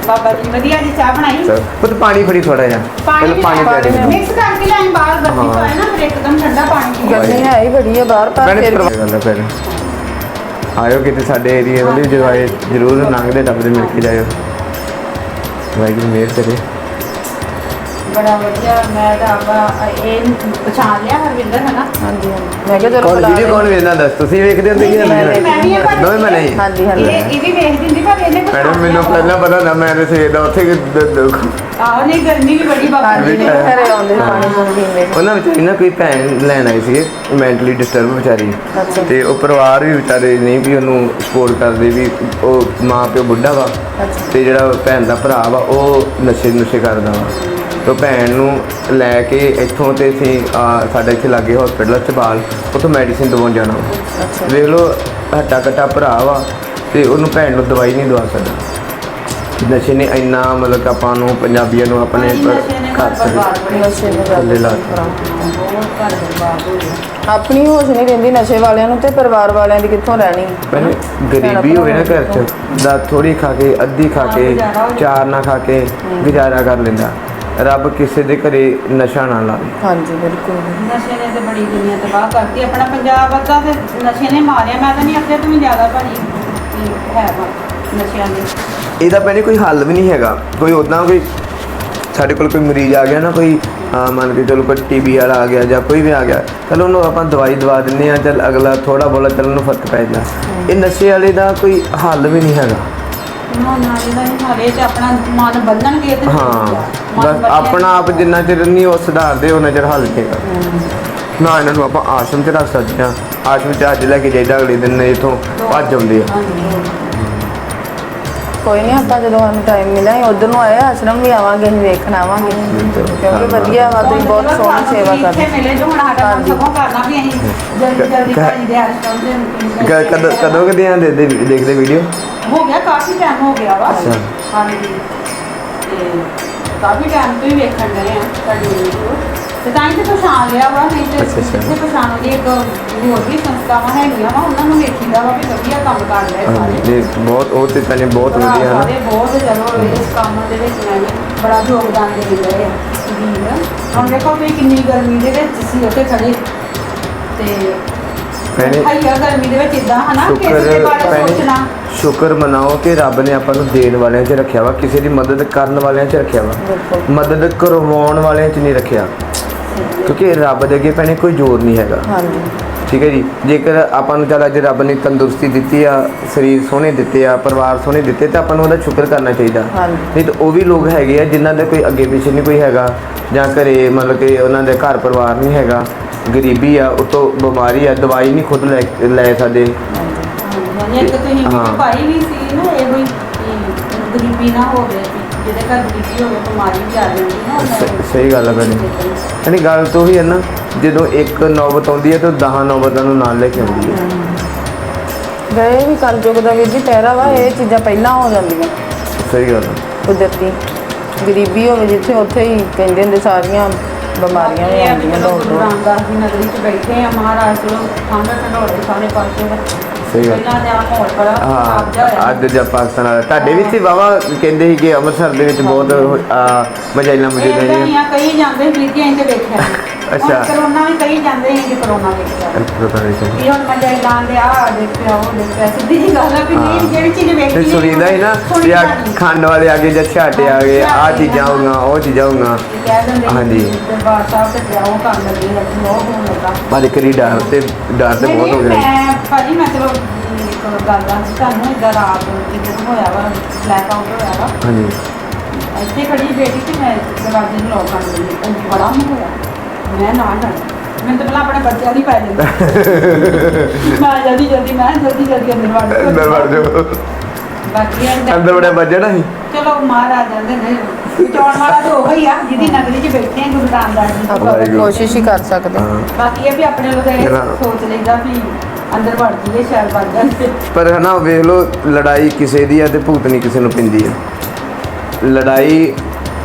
Speaker 1: ਬਾਬਾ ਜੀ ਵਧੀਆ ਜੀ ਚਾਹ ਬਣਾਈ
Speaker 3: ਚਲ ਪੁੱਤ ਪਾਣੀ ਫੜੀ ਥੋੜਾ ਜਿਹਾ ਪਹਿਲਾਂ ਪਾਣੀ ਪਿਆ ਦੇ
Speaker 1: ਮਿਕਸ ਕਰਕੇ ਲੈਣ ਬਾਹਰ ਗਰਮੀ ਤੋਂ ਹੈ ਨਾ ਫਿਰ ਇੱਕਦਮ ਠੰਡਾ ਪਾਣੀ ਪੀ
Speaker 2: ਗਰਮੀ ਹੈ ਹੀ ਬੜੀ ਹੈ ਬਾਹਰ ਪਰ
Speaker 3: ਮੈਨੇ
Speaker 2: ਫਿਰ ਵੀ
Speaker 3: ਗੱਲ ਫਿਰ ਆਇਓ ਕਿਤੇ ਸਾਡੇ ਏਰੀਆ ਵਾਲੀ ਜਦੋਂ ਆਏ ਜ਼ਰੂਰ ਲੰਘਦੇ ਟੱਪਦੇ ਮਿਲ ਕੇ ਜਾਇਓ ਵਾਹਿਗੁਰੂ ਮਿਹਰ ਕਰੇ
Speaker 1: ਬੜਾ ਵਧੀਆ ਮੈਂ ਤਾਂ ਆਪਾਂ ਇਹ ਪਛਾਣ ਲਿਆ ਹਰਵਿੰਦਰ ਹੈ ਨਾ
Speaker 2: ਹਾਂਜੀ ਹਾਂਜੀ ਮੈਂ ਕਿਹਾ ਚਲੋ
Speaker 3: ਕੌਣ
Speaker 2: ਬੁਲਾ
Speaker 3: ਵੀਡੀਓ ਕੌਣ
Speaker 2: ਲੈਂਦੇ।
Speaker 3: ਵੇਖਦਾ ਦੱਸ ਤੁਸੀਂ ਵੇਖਦੇ ਹੁੰਦੇ ਕਿ
Speaker 1: ਮੈਂ ਵੀ ਇਹ
Speaker 3: ਨਹੀਂ ਮੈਂ ਨਹੀਂ
Speaker 2: ਹਾਂਜੀ ਹਾਂਜੀ
Speaker 1: ਇਹ ਵੀ ਵੇਖ ਦਿੰਦੀ ਪਰ ਇਹਨੇ
Speaker 3: ਮੈਡਮ ਮੈਨੂੰ ਪਹਿਲਾਂ ਪਤਾ ਨਾ ਮੈਂ ਤੇ ਸਵੇਰ ਦਾ ਉੱਥੇ
Speaker 1: ਆਹ ਨਹੀਂ ਗਰਮੀ ਵੀ ਬੜੀ ਬਾਬਾ
Speaker 2: ਹਾਂਜੀ
Speaker 1: ਜੀ
Speaker 2: ਨਹੀਂ ਘਰੇ ਆਉਂਦੇ ਪਾਣੀ ਪੂਣੀ ਪੀਂਦੇ
Speaker 3: ਉਹਨਾਂ ਵਿਚਾਰੀ ਨਾ ਕੋਈ ਭੈਣ ਲੈਣ ਆਈ ਸੀ ਮੈਂਟਲੀ ਡਿਸਟਰਬ ਵਿਚਾਰੀ
Speaker 2: ਅੱਛਾ।
Speaker 3: ਤੇ ਉਹ ਪਰਿਵਾਰ ਵੀ ਵਿਚਾਰੇ ਨਹੀਂ ਵੀ ਉਹਨੂੰ ਸਪੋਰਟ ਕਰਦੇ ਵੀ ਉਹ ਮਾਂ ਪਿਓ ਬੁੱਢਾ ਵਾ
Speaker 2: ਅੱਛਾ।
Speaker 3: ਤੇ ਜਿਹੜਾ ਭੈਣ ਦਾ ਭਰਾ ਵਾ ਉਹ ਨਸ਼ੇ ਕਰਦਾ ਵਾ ਤੇ ਭੈਣ ਨੂੰ ਲੈ ਕੇ ਇੱਥੋਂ ਤੇ ਅਸੀਂ ਸਾਡੇ ਇੱਥੇ ਲਾਗੇ ਹਸਪੀਟਲ ਚਬਾਲ ਉੱਥੋਂ ਮੈਡੀਸਿਨ ਦਵਾਉਣ ਜਾਣਾ ਵਾ।
Speaker 2: ਅੱਛਾ
Speaker 3: ਵੇਖ ਲਓ ਹੱਟਾ ਕੱਟਾ ਭਰਾ ਵਾ ਤੇ ਉਹਨੂੰ ਭੈਣ ਨੂੰ ਦਵਾਈ ਨਹੀਂ ਦਵਾ ਸਕਦਾ ਨਸ਼ੇ ਨੇ ਇੰਨਾ ਮਤਲਬ ਕਿ ਆਪਾਂ ਨੂੰ ਪੰਜਾਬੀਆਂ ਨੂੰ ਆਪਣੇ ਘਰ
Speaker 2: ਨਸ਼ੇ ਨੇ
Speaker 3: ਥੱਲੇ ਲਾ
Speaker 1: ਬਹੁਤ ਘਰ ਬਰਬਾਦ ਹੋ ਗਿਆ
Speaker 2: ਆਪਣੀ ਹੋਸ਼ ਨਹੀਂ ਰਹਿੰਦੀ ਨਸ਼ੇ ਵਾਲਿਆਂ ਨੂੰ ਤੇ ਪਰਿਵਾਰ ਵਾਲਿਆਂ ਦੀ ਕਿੱਥੋਂ ਰਹਿਣੀ
Speaker 3: ਪਹਿਲੇ ਗਰੀਬੀ ਹੋਵੇ ਨਾ ਘਰ 'ਚ ਦਾ ਥੋੜੀ ਖਾ ਕੇ ਅੱਧੀ ਖਾ ਕੇ ਚਾਰ ਨਾ ਖਾ ਕੇ ਗੁਜ਼ਾਰਾ ਕਰ ਲੈਂਦਾ ਰੱਬ ਕਿਸੇ ਦੇ ਘਰੇ ਨਸ਼ਾ ਨਾ ਲਾਵੇ
Speaker 2: ਹਾਂਜੀ ਬਿਲਕੁਲ
Speaker 1: ਨਸ਼ੇ ਨੇ ਤੇ ਬੜੀ ਦੁਨੀਆ ਤਬਾਹ ਕਰਤੀ ਆਪਣਾ ਪੰਜਾਬ ਅੱਧਾ ਤੇ ਨਸ਼ੇ ਨੇ ਮਾਰਿਆ ਮੈਂ ਤਾਂ ਨਹੀਂ ਆਖਿਆ ਤੂੰ ਜ਼ਿਆਦਾ ਭਾਰੀ ਹੈ ਵਾ ਨਸ਼ਿਆਂ ਦੇ
Speaker 3: ਇਹਦਾ ਪਹਿਲੇ ਕੋਈ ਹੱਲ ਵੀ ਨਹੀਂ ਹੈਗਾ ਕੋਈ ਉਦਾਂ ਕੋਈ ਸਾਡੇ ਕੋਲ ਕੋਈ ਮਰੀਜ਼ ਆ ਗਿਆ ਨਾ ਕੋਈ ਮੰਨ ਕੇ ਚਲੋ ਕੋਈ ਟੀਬੀ ਵਾਲਾ ਆ ਗਿਆ ਜਾਂ ਕੋਈ ਵੀ ਆ ਗਿਆ ਚਲ ਉਹਨੂੰ ਆਪਾਂ ਦਵਾਈ ਦਵਾ ਦਿੰਦੇ ਆ ਚੱਲ ਅਗਲਾ ਥੋੜਾ ਬੋਲਾ ਚੱਲ ਉਹਨੂੰ ਫਰਕ ਪੈ ਜਾਂਦਾ ਇਹ ਨਸ਼ੇ ਵਾਲੇ ਦਾ ਕੋਈ ਹੱਲ ਵੀ ਨਹੀਂ ਹੈਗਾ
Speaker 1: ਨਾ ਇਹਦਾ ਨਹੀਂ ਹਾਲੇ ਤੇ ਆਪਣਾ ਮਨ ਬੰਨਣਗੇ ਤੇ
Speaker 3: ਹਾਂ ਬਸ ਆਪਣਾ ਆਪ ਜਿੰਨਾ ਚਿਰ ਨਹੀਂ ਉਹ ਸੁਧਾਰਦੇ ਉਹਨਾਂ ਚਿਰ ਹੱਲ ਨਹੀਂ ਨਾ ਇਹਨਾਂ ਨੂੰ ਆਪਾਂ ਆਸ਼ਰਮ 'ਚ ਰੱਖ ਸਕਦੇ ਹਾਂ ਆਸ਼ਰਮ 'ਚ ਅੱਜ ਲੈ ਕੇ ਜਾਈਦਾ ਅਗਲੇ ਦਿਨ ਇੱਥੋਂ ਭੱਜ ਆਉਂਦੇ ਆ
Speaker 2: ਕੋਈ ਨਹੀਂ ਆਪਾਂ ਜਦੋਂ ਸਾਨੂੰ ਟਾਈਮ ਮਿਲਿਆ ਉਧਰ ਨੂੰ ਆਏ ਆਸ਼ਰਮ ਵੀ ਆਵਾਂਗੇ ਅਸੀਂ ਵੇਖਣ ਆਵਾਂਗੇ ਕਿਉਂਕਿ ਵਧੀਆ ਵਾ ਤੁਸੀਂ ਬਹੁਤ ਸੋਹਣੀ ਸੇਵਾ ਕਰਦੇ
Speaker 1: ਮਿਲੇ ਜੋ ਹੁਣ ਸਾਡਾ ਕੰਮ ਸਗੋਂ ਕਰਨਾ ਵੀ ਅਸੀਂ ਜਲਦੀ ਭਾਜੀ ਦੇ ਆਸ਼ਰਮ ਦੇ
Speaker 3: ਕਦੋਂ ਕਦੇ ਆ ਦੇਖਦੇ ਵੀਡੀਓ
Speaker 1: ਹੋ ਗਿਆ ਕਾਫੀ ਟਾਈਮ ਹੋ ਗਿਆ ਵਾ
Speaker 3: ਅੱਛਾ।
Speaker 1: ਹਾਂਜੀ ਤੇ ਕਾਫੀ ਟਾਈਮ ਤੋਂ ਹੀ ਵੇਖਣ ਡਏ ਆ ਤੁਹਾਡੀ ਵੀਡੀਓ ਤੇ ਤਾਂ ਹੀ ਤੇ ਪਛਾਣ ਲਿਆ ਵਾ ਨਹੀਂ ਤੇ
Speaker 3: ਅੱਛਾ, ਅੱਛਾ।
Speaker 1: ਜਿੱਥੇ ਪਛਾਣੋ ਦੀ ਇੱਕ ਹੋਰ ਵੀ ਸੰਸਥਾਵਾਂ ਹੈਗੀਆਂ ਵਾ ਉਹਨਾਂ ਨੂੰ ਵੇਖੀਦਾ ਵਾ ਵੀ ਵਧੀਆ ਕੰਮ ਕਰ ਰਹੇ ਸਾਰੇ
Speaker 3: ਜੀ ਬਹੁਤ ਉਹ ਤੇ ਪਹਿਲੇ ਬਹੁਤ ਵਧੀਆ ਹਨ
Speaker 1: ਸਾਰੇ ਬਹੁਤ ਚਲੋ ਇਸ ਕੰਮ ਦੇ ਵਿੱਚ ਮੈਂ ਵੀ ਬੜਾ ਯੋਗਦਾਨ ਦੇ ਰਹੇ ਆ ਵੀਰ ਹੁਣ ਦੇਖੋ ਵੀ ਕਿੰਨੀ ਗਰਮੀ ਦੇ ਵਿੱਚ ਸੀ ਉੱਥੇ ਖੜੇ ਤੇ
Speaker 3: ਭੈਣੇ
Speaker 1: ਹਾਈਆ ਗਰਮੀ ਦੇ ਵਿੱਚ ਇਦਾਂ ਹਨਾ ਕਿ ਇਸ ਦੇ ਬਾਰੇ ਸੋਚਣਾ
Speaker 3: ਸ਼ੁਕਰ ਮਨਾਓ ਕਿ ਰੱਬ ਨੇ ਆਪਾਂ ਨੂੰ ਦੇਣ ਵਾਲਿਆਂ 'ਚ ਰੱਖਿਆ ਵਾ ਕਿਸੇ ਦੀ ਮਦਦ ਕਰਨ ਵਾਲਿਆਂ 'ਚ ਰੱਖਿਆ ਵਾ
Speaker 2: ਬਿਲਕੁਲ
Speaker 3: ਮਦਦ ਕਰਵਾਉਣ ਵਾਲਿਆਂ 'ਚ ਨਹੀਂ ਰੱਖਿਆ ਕਿਉਂਕਿ ਰੱਬ ਦੇ ਅੱਗੇ ਭੈਣੇ ਕੋਈ ਜ਼ੋਰ ਨਹੀਂ ਹੈਗਾ
Speaker 2: ਹਾਂਜੀ
Speaker 3: ਠੀਕ ਹੈ ਜੀ ਜੇਕਰ ਆਪਾਂ ਨੂੰ ਚੱਲ ਅੱਜ ਰੱਬ ਨੇ ਤੰਦਰੁਸਤੀ ਦਿੱਤੀ ਆ ਸਰੀਰ ਸੋਹਣੇ ਦਿੱਤੇ ਆ ਪਰਿਵਾਰ ਸੋਹਣੇ ਦਿੱਤੇ ਤਾਂ ਆਪਾਂ ਨੂੰ ਉਹਦਾ ਸ਼ੁਕਰ ਕਰਨਾ ਚਾਹੀਦਾ
Speaker 2: ਹਾਂਜੀ
Speaker 3: ਨਹੀਂ ਤਾਂ ਉਹ ਵੀ ਲੋਕ ਹੈਗੇ ਆ ਜਿਨ੍ਹਾਂ ਦੇ ਕੋਈ ਅੱਗੇ ਪਿੱਛੇ ਨਹੀਂ ਕੋਈ ਹੈਗਾ ਜਾਂ ਘਰੇ ਮਤਲਬ ਕਿ ਉਹਨਾਂ ਦੇ ਘਰ ਪਰਿਵਾਰ ਨਹੀਂ ਹੈਗਾ ਗਰੀਬੀ ਆ ਉਤੋਂ ਬਿਮਾਰੀ ਆ ਦਵਾਈ ਨਹੀਂ ਖੁਦ ਲੈ ਸਕਦੇ
Speaker 1: ਹਾਂਜੀ ਇੱਕ ਤੁਸੀਂ
Speaker 3: ਹਾਂ।
Speaker 1: ਭਾਈ ਵੀ ਸੀ ਨਾ ਇਹੋ ਹੀ ਕਿ ਗਰੀਬੀ ਨਾ ਹੋਵੇ ਜਿਹਦੇ ਘਰ ਗਰੀਬੀ ਹੋਵੇ ਬਿਮਾਰੀ ਵੀ ਆ ਜਾਂਦੀ ਨਾ ਉਹਨਾਂ
Speaker 3: ਸਹੀ ਗੱਲ ਹੈ ਭੈਣੇ ਯਾਨੀ ਗੱਲ ਤਾਂ ਉਹੀ ਹੈ ਨਾ ਜਦੋਂ ਇੱਕ ਨੌਬਤ ਆਉਂਦੀ ਹੈ ਤਾਂ 10 ਨੌਬਤਾਂ ਨੂੰ ਨਾਲ ਲੈ ਕੇ ਆਉਂਦੀ ਹੈ
Speaker 2: ਗਏ ਵੀ ਕਲਯੁਗ ਦਾ ਵੀਰ ਜੀ ਪਹਿਰਾ ਵਾ ਇਹ ਚੀਜ਼ਾਂ ਪਹਿਲਾਂ ਹੋ ਜਾਂਦੀਆਂ
Speaker 3: ਸਹੀ ਗੱਲ ਹੈ
Speaker 2: ਕੁਦਰਤੀ ਗਰੀਬੀ ਹੋਵੇ ਜਿੱਥੇ ਉੱਥੇ ਹੀ ਕਹਿੰਦੇ ਹੁੰਦੇ ਸਾਰੀਆਂ ਬਿਮਾਰੀਆਂ ਵੀ ਆਉਂਦੀਆਂ ਦੌੜ ਦੌੜ
Speaker 1: ਰਾਮਦਾਸ ਦੀ ਨਗਰੀ 'ਚ ਬੈਠੇ ਆ ਮਹਾਰਾਜ ਕੋਲ ਠੰਡ ਢੰਡੋਰੇ ਸਾਰੇ ਪਾਸੇ
Speaker 3: ਸਹੀ ਗੱਲ
Speaker 1: ਪਹਿਲਾਂ ਦਾ ਮਾਹੌਲ ਬੜਾ ਖਰਾਬ ਜਿਹਾ
Speaker 3: ਹਾਂ
Speaker 1: ਹੋਇਆ
Speaker 3: ਅੱਜ ਜਾਂ ਪਾਕਿਸਤਾਨ ਵਾਲਾ ਤੁਹਾਡੇ ਵੀ ਸੀ ਵਾਵਾ ਕਹਿੰਦੇ ਸੀ ਕਿ ਅੰਮ੍ਰਿਤਸਰ ਦੇ ਵਿੱਚ ਬਹੁਤ ਮਜਾਇਲਾਂ ਮੌਜੂਦ
Speaker 1: ਇਹ
Speaker 3: ਹੈ
Speaker 1: ਤਾਂ ਕਈ ਜਾਂਦੇ ਸੀ ਕਿ ਅਸੀਂ ਤੇ ਵੇਖਿਆ
Speaker 3: ਅੱਛਾ।
Speaker 1: ਹੁਣ ਕਰੋਨਾ ਵੀ ਕਈ ਜਾਂਦੇ ਸੀ ਕਿ ਕਰੋਨਾ ਵੇਖਿਆ ਇਹ ਹੁਣ ਮਜ਼ਾ ਲਾਂ ਦੇ ਆ ਦੇਖਿਆ ਉਹ ਦੇਖਿਆ ਸਿੱਧੀ ਜੀ ਗੱਲ ਆ ਵੀ ਨਹੀਂ ਜਿਹੜੀ ਚੀਜ਼ ਵੇਖੀ
Speaker 3: ਤੇ ਸੁਣੀਦਾ ਹੀ ਨਾ
Speaker 1: ਸੁਣੀ
Speaker 3: ਵੀ ਆ
Speaker 1: ਜਾਂਦੀ।
Speaker 3: ਖੰਡ ਵਾਲੇ ਆ ਗਏ ਜਾਂ ਛਾਟੇ ਆ ਗਏ ਆ ਚੀਜ਼ਾਂ ਹੋਊਗਾ ਉਹ ਚੀਜ਼ਾਂ ਹੋਊਗਾ
Speaker 1: ਕਹਿ ਦਿੰਦੇ
Speaker 3: ਹਾਂਜੀ।
Speaker 1: ਦਰਬਾਰ ਸਾਹਿਬ ਤੇ ਜਾਓ ਕੰਮ ਲੱਗੀ ਰੱਖੀ ਉਹ ਹੋਣ ਲੱਗਾ
Speaker 3: ਪਰ ਕਰੀ ਡਰ ਤੇ ਬਹੁਤ ਹੋ ਗਿਆ
Speaker 1: ਮੈਂ ਭਾਜੀ ਮੈਂ ਚਲੋ ਇੱਕ ਗੱਲ ਆ ਤੁਹਾਨੂੰ ਇਧਰ ਰਾਤ ਜਦੋਂ ਹੋਇਆ ਵਾ ਬਲੈਕ ਆਊਟ ਹੋਇਆ ਵਾ
Speaker 3: ਹਾਂਜੀ
Speaker 1: ਇੱਥੇ ਖੜੀ ਬੇਟੀ ਤੇ ਮੈਂ ਦਰਵਾਜ਼ੇ ਨੂੰ ਲੋਕ ਕਰ ਦਿੰਦੀ ਉਹ ਬੜਾ ਮੂੰਹ ਹੋਇਆ ਮੈਂ ਨਾ ਡਰ ਮੈਨੂੰ ਤਾਂ ਪਹਿਲਾਂ ਆਪਣੇ ਬੱਚਿਆਂ ਦੀ ਪੈ ਜਾਂਦਾ ਮੈਂ ਜਲਦੀ ਅੰਦਰ ਵੜ
Speaker 3: ਜਾਓ
Speaker 1: ਬਾਕੀ ਇਹ
Speaker 3: ਅੰਦਰ ਬੜਾ ਵੱਜਣਾ ਸੀ
Speaker 1: ਚਲੋ ਮਹਾਰਾਜ ਜਾਂਦੇ ਨੇ ਚੌਣ ਵਾਲਾ ਤਾਂ ਉਹ ਹੀ ਆ ਜਿਹਦੀ ਨਗਰੀ 'ਚ ਬੈਠੇ ਆ ਗੁਰੂ ਰਾਮਦਾਸ ਜੀ
Speaker 2: ਆਪਾਂ
Speaker 3: ਵਾਹਿਗੁਰੂ।
Speaker 2: ਕੋਸ਼ਿਸ਼ ਹੀ ਕਰ ਸਕਦੇ
Speaker 3: ਹਾਂ
Speaker 1: ਬਾਕੀ ਇਹ ਵੀ ਆਪਣੇ ਲੋਕ ਇਹ ਸੋਚ ਲਈਦਾ ਵੀ ਅੰਦਰ ਵੜ ਜੀਏ ਸ਼ਾਇਦ ਵੜ ਜਾਂਦੇ
Speaker 3: ਪਰ ਹਨਾ ਵੇਖ ਲਓ ਲੜਾਈ ਕਿਸੇ ਦੀ ਆ ਤੇ ਭੁਗਤਣੀ ਕਿਸੇ ਨੂੰ ਪੈਂਦੀ ਆ ਲੜਾਈ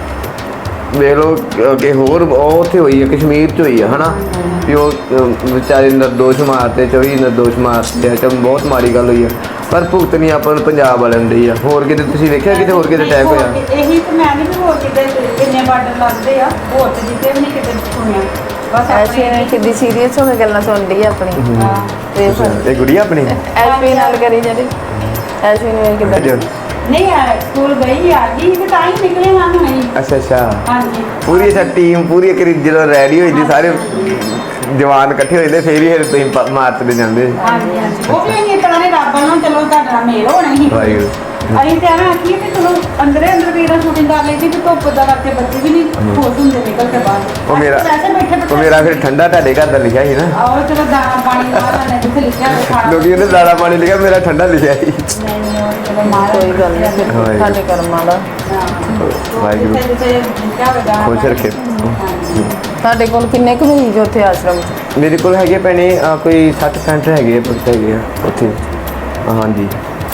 Speaker 3: ਵੇਖ ਲਓ ਕਿ ਹੋਰ ਉਹ ਉੱਥੇ ਹੋਈ ਹੈ ਕਸ਼ਮੀਰ 'ਚ ਹੋਈ ਆ ਹਨਾ ਵੀ ਉਹ ਵਿਚਾਰੇ ਨਿਰਦੋਸ਼ ਮਾਰਤੇ 24 ਨਿਰਦੋਸ਼ ਮਾਰਤੇ ਆ ਚਲ ਬਹੁਤ ਮਾੜੀ ਗੱਲ ਹੋਈ ਆ ਪਰ ਭੁਗਤ ਨਹੀਂ ਆਪਾਂ ਨੂੰ ਪੰਜਾਬ ਵਾਲਿਆਂ ਨੂੰ ਡਈ ਆ। ਹੋਰ ਕਿਤੇ ਤੁਸੀਂ ਵੇਖਿਆ ਕਿਤੇ ਹੋਰ ਕਿਤੇ ਅਟੈਕ ਹੋਇਆ?
Speaker 1: ਇਹੀ ਤਾਂ ਮੈਂ ਨਹੀਂ ਵੀ ਹੋਰ ਕਿਤੇ ਕਿੰਨੇ ਬਾਰਡਰ ਲੱਗਦੇ ਆ, ਹੋਰ ਤੇ ਜਿੱਤੇ ਵੀ ਨਹੀਂ ਕਿਤੇ ਸੁਣਿਆ। ਬਸ
Speaker 2: ਐਸ਼ੀ ਨੇ ਕਿੱਡੀ ਸੀਰੀਅਸ ਹੋ ਕੇ ਗੱਲਾਂ ਸੁਣਦੀ ਆ ਆਪਣੀ ਤੇ
Speaker 3: ਇਹ ਗੁੜੀਆ ਆਪਣੀ
Speaker 2: ਐਸ਼ੀ ਨਾਲ ਕਰੀ ਜਾਂਦੀ। ਐਸ਼ੀ ਨੇ ਕਿੱਦਾਂ
Speaker 1: ਨਹੀਂ ਆ ਸਕੂਲ ਗਈ ਆ ਗਈ ਤੇ ਤਾਂ ਹੀ ਨਿਕਲੇ ਹਾਂ ਹੁਣੇ।
Speaker 3: ਅੱਛਾ ਅੱਛਾ
Speaker 1: ਹਾਂਜੀ
Speaker 3: ਪੂਰੀ ਸਾ ਟੀਮ ਪੂਰੀ ਕਰੀ ਜਦੋਂ ਰੈਡੀ ਹੋਈ ਸੀ ਸਾਰੇ ਜਵਾਨ ਇਕੱਠੇ ਹੋਏ ਤੇ ਫੇਰ ਹੀ ਫਿਰ ਤੁਸੀਂ ਮਾਰਚ ਦੇ ਜਾਂਦੇ।
Speaker 1: ਹਾਂਜੀ ਹਾਂਜੀ ਉਹ ਵੀ ਨਹੀਂ ਤਰ੍ਹਾਂ ਦੇ ਰੱਬ ਨੂੰ ਚਲੋ ਤੁਹਾਡਾ ਮੇਲ ਹੋਣਾ ਹੀ।
Speaker 3: ਵਾਹਿਗੁਰੂ
Speaker 1: ਅਸੀਂ ਤਾਂ ਐਵੇਂ ਆਖੀਏ ਕਿ ਚਲੋ ਅੰਦਰੇ ਅੰਦਰ ਵੀ ਇਹਨਾਂ ਸ਼ੂਟਿੰਗ ਕਰ ਲਈ ਸੀ ਕਿ ਧੁੱਪ ਦਾ ਕਰਕੇ ਬੱਚੇ ਵੀ ਨਹੀਂ ਖੁਸ਼ ਹੁੰਦੇ ਨਿਕਲ ਕੇ ਬਾਹਰ।
Speaker 3: ਉਹ ਮੇਰਾ
Speaker 1: ਵੈਸੇ ਬੈਠੇ
Speaker 3: ਉਹ ਮੇਰਾ ਫਿਰ ਠੰਡਾ ਤੁਹਾਡੇ ਘਰ ਦਾ ਲਿਖਿਆ ਸੀ ਨਾ।
Speaker 1: ਆਓ ਚਲੋ ਦਾਣਾ ਪਾਣੀ ਲਾ ਲੈਣੇ ਜਿੱਥੇ ਲਿਖਿਆ ਹੋਇਆ ਖਾਣਾ।
Speaker 3: ਲੋਕੀ ਉਹਨੇ ਦਾਣਾ ਪਾਣੀ ਲਿਖਿਆ ਮੇਰਾ ਠੰਡਾ ਲਿਖਿਆ ਸੀ।
Speaker 1: ਨਹੀਂ ਨਹੀਂ ਉਹ ਚਲੋ ਮਾਰਾ
Speaker 2: ਕੋਈ ਗੱਲ ਨਹੀਂ ਫਿਰ ਸਾਡੇ ਕਰਮਾਂ ਦਾ।
Speaker 3: ਵਾਹਿਗੁਰੂ
Speaker 1: ਜਿੱਥੇ ਲਿਖਿਆ ਹੋਇਆ ਦਾਣਾ
Speaker 3: ਖੁਸ਼ ਰੱਖੇ।
Speaker 1: ਹਾਂਜੀ।
Speaker 2: ਤੁਹਾਡੇ ਕੋਲ ਕਿੰਨੇ ਕੁ ਮਰੀਜ਼ ਉੱਥੇ ਆਸ਼ਰਮ 'ਚ?
Speaker 3: ਮੇਰੇ ਕੋਲ ਹੈਗੇ ਭੈਣੇ ਕੋਈ 60-65 ਹੈਗੇ ਆ ਪੁੱਤ ਹੈਗੇ ਆ ਉੱਥੇ। ਹਾਂਜੀ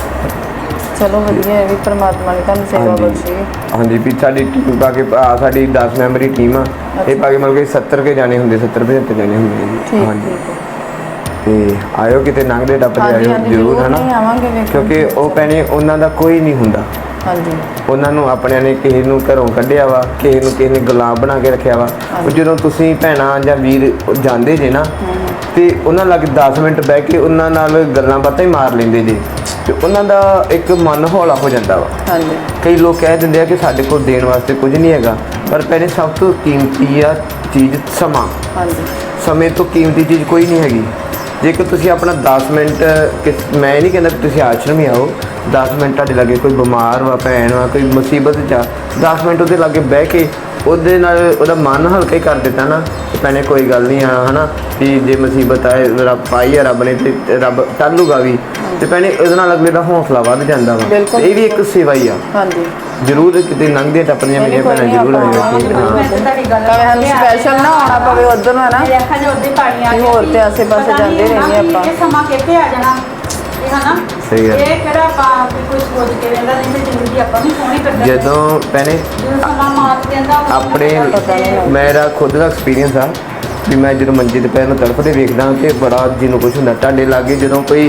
Speaker 2: ਚਲੋ ਵਧੀਆ ਹੈ ਵੀ ਪ੍ਰਮਾਤਮਾ ਨੇ ਤੁਹਾਨੂੰ ਸੇਵਾ
Speaker 3: ਹਾਂਜੀ
Speaker 2: ਬਖਸ਼ੀ।
Speaker 3: ਹਾਂਜੀ ਵੀ ਸਾਡੀ ਟੀਮ ਪਾ ਕੇ ਸਾਡੀ 10 ਮੈਂਬਰੀ ਟੀਮ ਆ। ਇਹ ਪਾ ਕੇ ਮਤਲਬ ਕਿ 70 ਕੇ ਜਾਣੇ ਹੁੰਦੇ 70-75 ਜਾਣੇ ਹੁੰਦੇ ਜੀ।
Speaker 2: ਠੀਕ
Speaker 3: ਹਾਂਜੀ
Speaker 2: ਠੀਕ ਹੈ।
Speaker 3: ਤੇ ਆਇਓ ਕਿਤੇ ਲੰਘਦੇ ਟੱਪਦੇ
Speaker 2: ਹਾਂਜੀ
Speaker 3: ਆਇਓ
Speaker 2: ਹਾਂਜੀ
Speaker 3: ਜ਼ਰੂਰ ਹੈ
Speaker 2: ਨਹੀਂ
Speaker 3: ਨਾ,
Speaker 2: ਆਵਾਂਗੇ ਵੇਖਣ।
Speaker 3: ਕਿਉਂਕਿ ਉਹ ਭੈਣੇ ਉਹਨਾਂ ਦਾ ਕੋਈ ਨਹੀਂ ਹੁੰਦਾ।
Speaker 2: ਹਾਂਜੀ
Speaker 3: ਉਹਨਾਂ ਨੂੰ ਆਪਣਿਆਂ ਨੇ ਕਿਸੇ ਨੂੰ ਘਰੋਂ ਕੱਢਿਆ ਵਾ, ਕਿਸੇ ਨੇ ਗੁਲਾਮ ਬਣਾ ਕੇ ਰੱਖਿਆ ਵਾ। ਉਹ ਜਦੋਂ ਤੁਸੀਂ ਭੈਣਾਂ ਜਾਂ ਵੀਰ ਜਾਂਦੇ ਜੇ ਨਾ ਤੇ ਉਹਨਾਂ ਲੱਗ 10 ਮਿੰਟ ਬਹਿ ਕੇ ਉਹਨਾਂ ਨਾਲ ਗੱਲਾਂ ਬਾਤਾਂ ਹੀ ਮਾਰ ਲੈਂਦੇ ਜੇ ਤੇ ਉਹਨਾਂ ਦਾ ਇੱਕ ਮਨ ਹੌਲਾ ਹੋ ਜਾਂਦਾ ਵਾ।
Speaker 2: ਹਾਂਜੀ
Speaker 3: ਕਈ ਲੋਕ ਕਹਿ ਦਿੰਦੇ ਆ ਕਿ ਸਾਡੇ ਕੋਲ ਦੇਣ ਵਾਸਤੇ ਕੁਝ ਨਹੀਂ ਹੈਗਾ, ਪਰ ਪਹਿਲੇ ਸਭ ਤੋਂ ਕੀਮਤੀ ਆ ਚੀਜ਼ ਸਮਾਂ।
Speaker 2: ਹਾਂਜੀ
Speaker 3: ਸਮੇਂ ਤੋਂ ਕੀਮਤੀ ਚੀਜ਼ ਕੋਈ ਨਹੀਂ ਹੈਗੀ। ਜੇਕਰ ਤੁਸੀਂ ਆਪਣਾ 10 ਮਿੰਟ ਮੈਂ ਨਹੀਂ ਕਹਿੰਦਾ ਕਿ ਤੁਸੀਂ ਆਸ਼ਰਮ ਹੀ ਆਓ, 10 ਮਿੰਟ ਤੁਹਾਡੇ ਲਾਗੇ ਕੋਈ ਬਿਮਾਰ ਵਾ, ਭੈਣ ਵਾ, ਕੋਈ ਮੁਸੀਬਤ 'ਚ ਆ, 10 ਮਿੰਟ ਉਹਦੇ ਲਾਗੇ ਬਹਿ ਕੇ ਉਹਦੇ ਨਾਲ ਉਹਦਾ ਮਨ ਹਲਕਾ ਹੀ ਕਰ ਦਿੱਤਾ ਨਾ ਤੇ ਭੈਣੇ ਕੋਈ ਗੱਲ ਨਹੀਂ ਆ ਹੈ ਨਾ ਵੀ ਜੇ ਮੁਸੀਬਤ ਆਏ ਰੱਬ ਪਾਈ ਆ ਰੱਬ ਨੇ ਤੇ ਰੱਬ ਟਾਲੂਗਾ ਵੀ ਤੇ ਭੈਣੇ ਉਹਦੇ ਨਾਲ ਅਗਲੇ ਦਾ ਹੌਸਲਾ ਵੱਧ ਜਾਂਦਾ ਵਾ।
Speaker 2: ਬਿਲਕੁਲ।
Speaker 3: ਇਹ ਵੀ ਇੱਕ ਸੇਵਾ ਹੀ ਆ।
Speaker 2: ਹਾਂਜੀ
Speaker 3: ਜ਼ਰੂਰ ਕਿਤੇ ਲੰਘਦੇ ਟੱਪਦੀਆਂ ਮੇਰੀਆਂ ਭੈਣਾਂ ਜ਼ਰੂਰ ਆਇਓ।
Speaker 1: ਮੈਂ ਤਾਂ ਤੁਹਾਡੀ ਗੱਲ
Speaker 2: ਭਾਵੇਂ ਸਾਨੂੰ ਸਪੈਸ਼ਲ ਨਾ ਆਉਣਾ ਪਵੇ ਉੱਧਰ ਨੂੰ ਹੈ ਨਾ।
Speaker 1: ਮੇਰੇ ਅੱਖਾਂ 'ਚ ਉੱਦੇ ਪਾਣੀ ਆ
Speaker 2: ਵੀ
Speaker 1: ਗਿਆ
Speaker 2: ਹੋਰ
Speaker 1: ਸੀ।
Speaker 2: ਤੇ ਆਸੇ-ਪਾਸੇ
Speaker 1: ਪਤਾ ਨਹੀਂ
Speaker 2: ਜਾਂਦੇ ਰਹਿੰਦੇ
Speaker 1: ਹੁੰਦਾ
Speaker 2: ਆਪਾਂ।
Speaker 1: ਵੀ ਇਹ ਸਮਾਂ ਕਿੱਥੇ ਆ ਜਾਣਾ ਇਹ ਹਨਾ।
Speaker 3: ਸਹੀ ਗੱਲ।
Speaker 1: ਇਹ ਕਿਹੜਾ ਆਪਾਂ ਵੀ ਕੁਝ ਸੋਚ ਕੇ ਰਹਿੰਦਾ ਨਹੀਂ ਤੇ ਜ਼ਿੰਦਗੀ ਆਪਾਂ ਵੀ ਸੋਹਣੀ ਕੱਢਣੀ।
Speaker 3: ਜਦੋਂ ਭੈਣੇ
Speaker 1: ਜਦੋਂ ਸਮਾਂ ਮਾਤ ਦਿੰਦਾ ਉਦੋਂ
Speaker 3: ਆਪਣੇ
Speaker 1: ਪਤਾ ਨਹੀਂ ਲੱਗਦਾ।
Speaker 3: ਮੇਰਾ ਖੁਦ ਦਾ ਐਕਸਪੀਰੀਅੰਸ ਆ ਵੀ ਮੈਂ ਜਦੋਂ ਮੰਜੇ ਤੇ ਪੈਰ ਨੂੰ ਤੜਫਦੇ ਵੇਖਦਾ ਤੇ ਬੜਾ ਜੀ ਨੂੰ ਕੁਛ ਹੁੰਦਾ। ਤੁਹਾਡੇ ਲਾਗੇ ਜਦੋਂ ਕੋਈ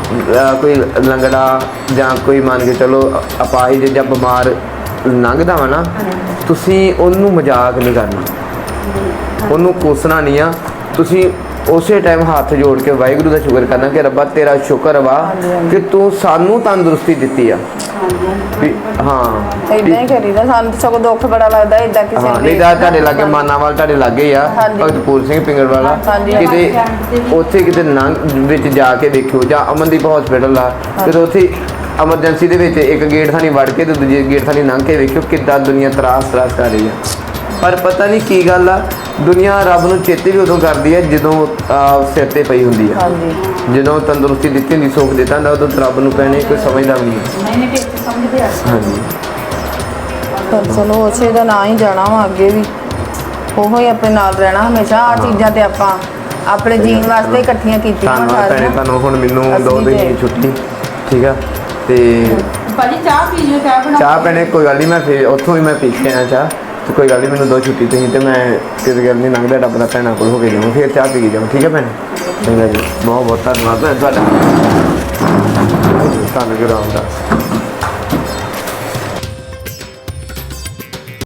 Speaker 3: ਲੰਗੜਾ ਜਾਂ ਕੋਈ ਮੰਨ ਕੇ ਚਲੋ ਅਪਾਹਿਜ ਜਾਂ ਬਿਮਾਰ ਲੰਘਦਾ ਵਾ ਨਾ, ਤੁਸੀਂ ਉਹਨੂੰ ਮਜ਼ਾਕ ਨਹੀਂ ਕਰਨਾ, ਉਹਨੂੰ ਕੋਸਣਾ ਨਹੀਂ ਆ। ਤੁਸੀਂ ਉਸੇ ਟਾਈਮ ਹੱਥ ਜੋੜ ਕੇ ਵਾਹਿਗੁਰੂ ਦਾ ਸ਼ੁਕਰ ਕਰਨਾ ਕਿ ਰੱਬਾ ਤੇਰਾ ਸ਼ੁਕਰ ਵਾ ਕਿ ਤੂੰ ਸਾਨੂੰ ਤੰਦਰੁਸਤੀ ਦਿੱਤੀ ਆ। ਵੀ ਹਾਂ
Speaker 2: ਇਦਾਂ ਹੀ ਕਰੀਦਾ। ਸਾਨੂੰ ਤਾਂ ਸਗੋਂ ਦੁੱਖ ਬੜਾ ਲੱਗਦਾ ਇਦਾਂ ਕਿਸੇ
Speaker 3: ਹਾਂ
Speaker 2: ਨੂੰ
Speaker 3: ਨਹੀਂ ਤਾਂ ਤੁਹਾਡੇ ਲਾਗੇ ਮਾਨਾਵਾਲ ਤੁਹਾਡੇ ਲਾਗੇ ਹੀ ਆ
Speaker 2: ਹਾਂਜੀ।
Speaker 3: ਭਗਤਪੂਰ ਸਿੰਘ ਪਿੰਗਲ ਵਾਲਾ।
Speaker 2: ਹਾਂਜੀ।
Speaker 3: ਕਿਤੇ ਉੱਥੇ ਕਿਤੇ ਨੰਗ ਵਿੱਚ ਜਾ ਕੇ ਦੇਖਿਓ ਜਾਂ ਅਮਨਦੀਪ ਹਸਪੀਟਲ ਆ ਕਿਤੇ ਉੱਥੇ ਐਮਰਜੈਂਸੀ ਦੇ ਵਿੱਚ ਇੱਕ ਗੇਟ ਥਾਣੀ ਵੜ ਕੇ ਤੇ ਦੂਜੇ ਗੇਟ ਥਾਣੀ ਲੰਘ ਕੇ ਵੇਖਿਓ ਕਿੱਦਾਂ ਦੁਨੀਆ ਤਰਾਸ ਕਰ ਰਹੀ ਆ। ਪਰ ਪਤਾ ਨਹੀਂ ਕੀ ਗੱਲ ਆ, ਦੁਨੀਆ ਰੱਬ ਨੂੰ ਚੇਤੇ ਵੀ ਉਦੋਂ ਕਰਦੀ ਹੈ ਜਦੋਂ ਸਿਰ ਤੇ ਪਈ ਹੁੰਦੀ ਆ।
Speaker 2: ਹਾਂਜੀ
Speaker 3: ਜਦੋਂ ਤੰਦਰੁਸਤੀ ਦਿੱਤੀ ਹੁੰਦੀ, ਸੁੱਖ ਦਿੱਤਾ ਹੁੰਦਾ, ਉਦੋਂ ਰੱਬ ਨੂੰ ਪੈਣੇ ਕੋਈ ਸਮਝਦਾ ਵੀ ਨਹੀਂ।
Speaker 1: ਨਹੀਂ ਤੇ ਸਮਝਦੇ ਆ।
Speaker 3: ਹਾਂਜੀ
Speaker 2: ਪਰ ਚਲੋ ਉਸੇ ਦਾ ਨਾਂ ਹੀ ਜਾਣਾ ਵਾ ਅੱਗੇ ਵੀ, ਉਹੋ ਹੀ ਆਪਣੇ ਨਾਲ ਰਹਿਣਾ ਹਮੇਸ਼ਾ। ਆ ਚੀਜ਼ਾਂ ਤੇ ਆਪਾਂ ਆਪਣੇ ਜੀਣ ਵਾਸਤੇ ਇਕੱਠੀਆਂ ਕੀਤੀਆਂ ਵਾ
Speaker 3: ਧੰਨਵਾਦ ਭੈਣੇ
Speaker 2: ਸਾਰੀਆਂ।
Speaker 3: ਤੁਹਾਨੂੰ। ਹੁਣ ਮੈਨੂੰ
Speaker 2: ਅਸੀਂ
Speaker 3: 2 ਦਿਨ ਦੀ
Speaker 2: ਤੇ-
Speaker 3: ਛੁੱਟੀ ਠੀਕ ਆ ਤੇ
Speaker 1: ਭਾਜੀ ਚਾਹ ਪੀ ਲਿਓ, ਚਾਹ ਬਣਾ
Speaker 3: ਚਾਹ ਭੈਣੇ ਕੋਈ ਗੱਲ ਨਹੀਂ, ਮੈਂ ਫਿਰ ਉੱਥੋਂ ਹੀ ਮੈਂ ਪੀ ਕੇ ਆਇਆ ਚਾਹ ਤੇ ਕੋਈ ਗੱਲ ਨਹੀਂ, ਮੈਨੂੰ 2 ਛੁੱਟੀ ਤੁਸੀਂ ਤੇ ਮੈਂ ਕਿਸੇ ਗੱਲ ਨਹੀਂ ਲੰਘਦਾ ਰੱਬ ਦਾ ਭੈਣਾਂ ਕੋਲ ਹੋ ਕੇ ਜਾਵਾਂ ਫਿਰ ਚਾਹ ਪੀ ਕੇ ਜਾਵਾਂ। ਠੀਕ ਹੈ ਭੈਣੇ? ਚੰਗਾ ਜੀ, ਬਹੁਤ ਬਹੁਤ ਧੰਨਵਾਦ ਭੈਣ ਤੁਹਾਡਾ। ਤੁਹਾਨੂੰ ਗੁਰੂ ਰਾਮਦਾਸ।